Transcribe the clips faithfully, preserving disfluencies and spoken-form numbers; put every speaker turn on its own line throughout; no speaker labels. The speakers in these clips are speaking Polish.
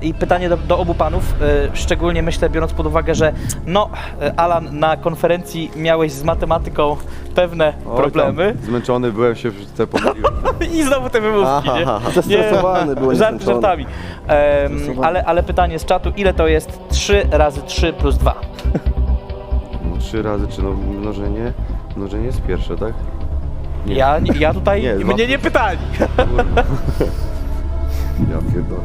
i pytanie do, do obu panów, e, szczególnie myślę, biorąc pod uwagę, że no, e, Alan, na konferencji miałeś z matematyką pewne
Oj,
problemy.
tam zmęczony byłem, się w te pomyliłem.
I znowu te wymówki, nie?
Aha, zestresowany byłeś.
Żart żartami. Em, ale, ale pytanie z czatu, ile to jest trzy razy trzy plus dwa?
No, trzy razy, czy no mnożenie? Mnożenie jest pierwsze, tak? Nie.
Ja, ja tutaj,
Nie,
mnie
dwa.
nie pytali.
Ja pierdolę.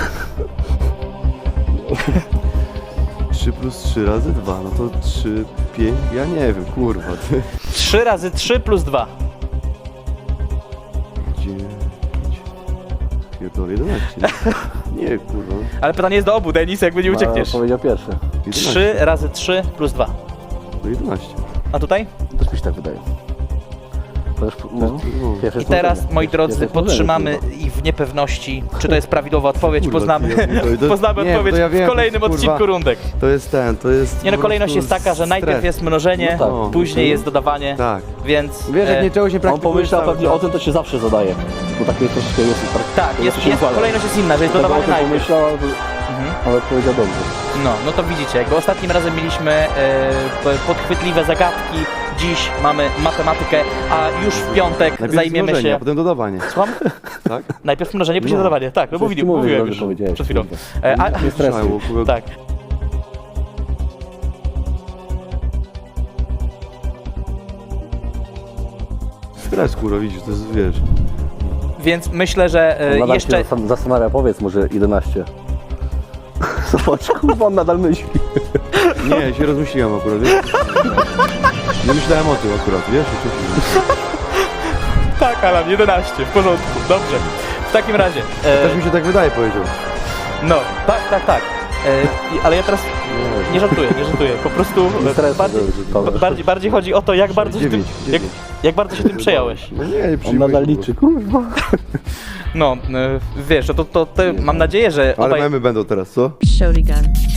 trzy plus trzy razy dwa, no to trzy, pięć, ja nie wiem, kurwa, ty.
trzy razy trzy plus dwa.
dziewięć, pierdolę, jedenaście. Nie, kurwa.
Ale pytanie jest do obu, Denis, jakby nie uciekniesz.
Powiedział pierwszy.
trzy razy trzy plus dwa.
To jedenaście.
A tutaj?
Też mi się tak wydaje. To już, no,
no.
pierwsze
I teraz,
stworzenie.
moi drodzy,
Pierwsze stworzenie,
podtrzymamy
kurwa.
ich w niepewności, czy to jest prawidłowa odpowiedź.
Kurwa,
Poznamy,
ty, ja- to- to-
poznamy
nie,
odpowiedź
to ja wiem,
w kolejnym
kurwa.
odcinku rundek.
To jest ten, to jest...
Nie no,
po
kolejność jest
prostu
taka, że najpierw
stres.
jest mnożenie,
No tak.
później jest dodawanie,
Tak.
więc...
Wiesz, jak
e,
nie czegoś nie
On
praktykujesz
pomyślał
cały
pewnie
czas.
o tym, to się zawsze zadaje. Bo takie troszeczkę jest.
Tak, jest,
się
jest,
układa.
kolejność jest inna, że jest
Dlatego o
dodawanie
tym
najpierw.
pomyślał, ale-
Mhm.
ale powiedział dobrze.
No, no to widzicie, jakby ostatnim razem mieliśmy e, p- podchwytliwe zagadki, dziś mamy matematykę, a już w piątek
Najpierw
zajmiemy
mnożenie,
się...
a potem dodawanie.
Słucham?
Tak?
Najpierw mnożenie, później
No.
dodawanie. Tak, no
Coś
mówili,
ci mówię,
mówiłem
dobrze
już
powiedziałeś,
przed chwilą.
kurde.
E, a,
Nie stresuj.
Słyszałem, bo-
tak.
Stres, kurwa, widzisz, to jest, wiesz...
Więc myślę, że e,
On nadal
jeszcze...
się zastan- zastanawia, powiedz może jedenaście. Zobacz, kurwa, on nadal myśli.
Nie, się rozmyśliłem akurat, wiesz? Nie myślałem o tym akurat, wiesz? O czym się-
Tak, Alan, jedenaście, w porządku, dobrze. W takim razie... E,
Też mi się tak wydaje, powiedział.
no, tak, tak, tak. E, i- ale ja teraz nie żartuję, nie żartuję. Po prostu
Nie stresuj,
bardziej,
dobrze, Paweł.
ba- bardziej, bardziej chodzi o to, jak bardzo się tym,
Dziewięć,
jak,
dziewięć.
jak bardzo się tym przejąłeś.
No nie, nie
On
przyjmuj
nadal
się,
liczy, kurwa.
No, e, wiesz, no to, to, to mam nadzieję, że
Ale
obaj...
memy będą teraz, co?
Shotgun.